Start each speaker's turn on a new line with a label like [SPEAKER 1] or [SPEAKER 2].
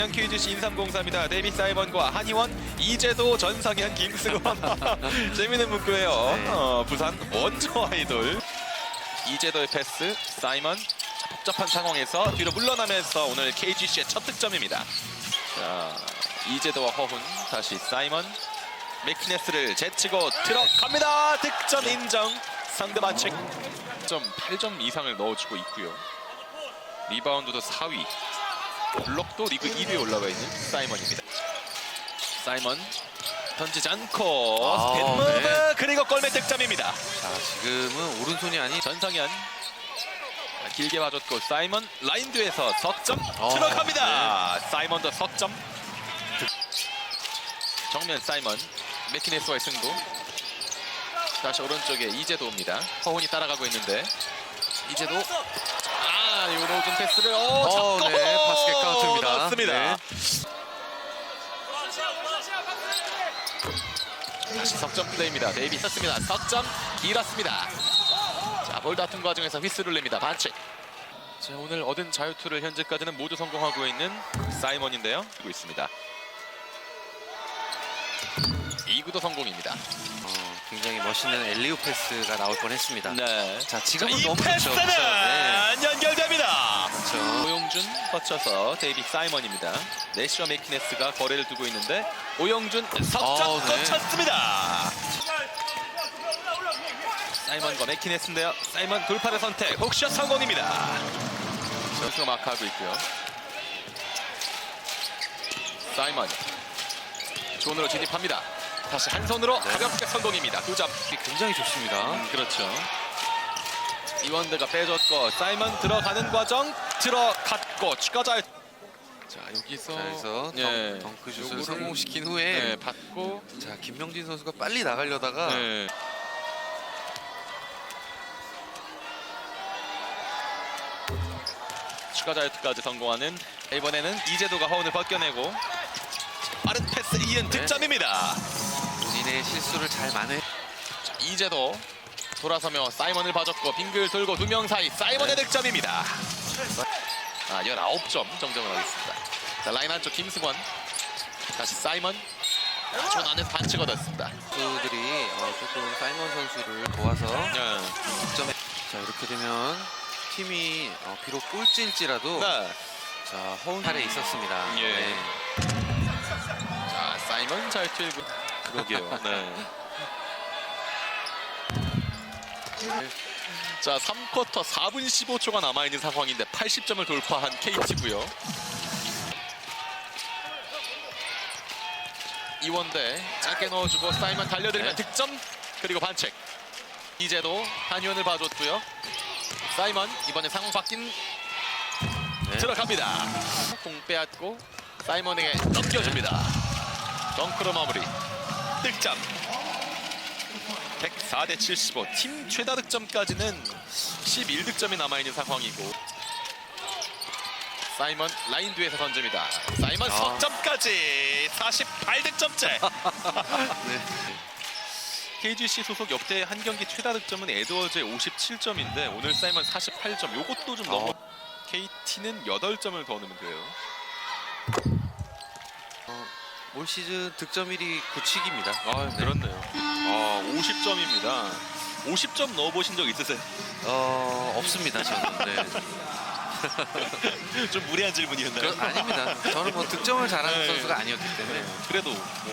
[SPEAKER 1] KGC 인삼공사입니다. 데이비 사이먼과 한희원, 이재도, 전상현, 김승원. 재밌는 문구예요.
[SPEAKER 2] 네.
[SPEAKER 1] 부산 원조 아이돌. 이재도의 패스, 사이먼. 복잡한 상황에서 뒤로 물러나면서 오늘 KGC의 첫 득점입니다. 자, 이재도와 허훈, 다시 사이먼. 맥키네스를 제치고 들어갑니다. 득점 인정. 상대 반칙. 8점 이상을 넣어주고 있고요. 리바운드도 4위. 블록도 리그 1위에 올라가 있는 사이먼입니다. 사이먼 던지지 않고 스피드무브
[SPEAKER 2] 네.
[SPEAKER 1] 그리고 골밑 득점입니다.
[SPEAKER 2] 자, 지금은 오른손이 아닌
[SPEAKER 1] 전상현 길게 봐줬고 사이먼 라인 뒤에서 석점
[SPEAKER 2] 어,
[SPEAKER 1] 들어갑니다. 사이먼도 석점. 정면 사이먼 맥키네스와의 승부. 다시 오른쪽에 이재도입니다. 허훈이 따라가고 있는데 이재도 요로준 패스를 잡고
[SPEAKER 2] 네, 바스켓 카운트입니다.
[SPEAKER 1] 넣습니다.
[SPEAKER 2] 네.
[SPEAKER 1] 다시 석점 플레이입니다. 데이비 썼습니다. 석점 길었습니다. 자, 볼 다툼 과정에서 휘슬을 냅니다. 반칙. 자, 오늘 얻은 자유투를 현재까지는 모두 성공하고 있는 사이먼인데요. 하고 있습니다. 2구도 성공입니다.
[SPEAKER 2] 굉장히 멋있는 엘리우 패스가 나올 뻔했습니다.
[SPEAKER 1] 네.
[SPEAKER 2] 자, 지금은
[SPEAKER 1] 이
[SPEAKER 2] 너무 좋죠.
[SPEAKER 1] 패스는
[SPEAKER 2] 네.
[SPEAKER 1] 연결됩니다.
[SPEAKER 2] 그렇죠.
[SPEAKER 1] 오영준 거쳐서 데이비 사이먼입니다. 내시와 맥키네스가 거래를 두고 있는데 오영준 석점
[SPEAKER 2] 네.
[SPEAKER 1] 거쳤습니다. 사이먼과 맥키네스인데요. 사이먼 돌파의 선택, 훅샷 성공입니다. 선수가 마크하고 있고요. 사이먼 존으로 진입합니다. 다시 한 손으로 가볍게 성공입니다. 2점.
[SPEAKER 2] 굉장히 좋습니다.
[SPEAKER 1] 그렇죠. 이원드가 빼줬고 사이먼 들어가는 과정 들어갔고 추가 잘. 자, 여기서
[SPEAKER 2] 자, 그래서
[SPEAKER 1] 예.
[SPEAKER 2] 덩크슛을
[SPEAKER 1] 요거를-
[SPEAKER 2] 성공시킨 후에
[SPEAKER 1] 네, 받고
[SPEAKER 2] 자, 김명진 선수가 빨리 나가려다가
[SPEAKER 1] 네. 추가 자유투까지 성공하는 이번에는 이재도가 허운을 벗겨내고 빠른 패스 이은 득점입니다.
[SPEAKER 2] 본인의 실수를 잘 만회.
[SPEAKER 1] 자, 이재도 돌아서며 사이먼을 봐줬고 빙글 돌고 두 명 사이 사이먼의 득점입니다. 19점 정정을 하겠습니다. 자, 라인 한쪽 김승원 다시 사이먼 존 안에서 반칙 얻었습니다.
[SPEAKER 2] 선수들이 조금 사이먼 선수를 도와서
[SPEAKER 1] 네.
[SPEAKER 2] 득점에 자, 이렇게 되면 팀이 비록 꼴찌일지라도
[SPEAKER 1] 네.
[SPEAKER 2] 자, 허운 탈에 있었습니다.
[SPEAKER 1] 예.
[SPEAKER 2] 네.
[SPEAKER 1] 자, 사이먼 잘 튀고 그러게요. 네. 자, 3쿼터 4분 15초가 남아있는 상황인데 80점을 돌파한 KT고요. 이원대 짧게 넣어주고 사이먼 달려들면
[SPEAKER 2] 네.
[SPEAKER 1] 득점 그리고 반칙. 이제도 한의원을 봐줬고요. 사이먼 이번에 상황 바뀐
[SPEAKER 2] 네.
[SPEAKER 1] 들어갑니다. 공 빼앗고 사이먼에게 넘겨줍니다. 덩크로 마무리. 득점. 104대 75. 팀 최다 득점까지는 11득점이 남아있는 상황이고 사이먼 라인 뒤에서 던집니다. 사이먼 석점까지 48득점째.
[SPEAKER 2] 네.
[SPEAKER 1] KGC 소속 역대 한 경기 최다 득점은 에드워즈의 57점인데 오늘 사이먼 48점. 요것도 좀 넘어. KT는 8점을 더 넣으면 돼요.
[SPEAKER 2] 올 시즌 득점 1위 구치기입니다.
[SPEAKER 1] 아, 그렇네요. 50점입니다. 50점 넣어보신 적 있으세요?
[SPEAKER 2] 없습니다, 저는. 네.
[SPEAKER 1] 좀 무리한 질문이었나요?
[SPEAKER 2] 아닙니다. 저는 뭐 득점을 잘하는
[SPEAKER 1] 네.
[SPEAKER 2] 선수가 아니었기 때문에.
[SPEAKER 1] 그래도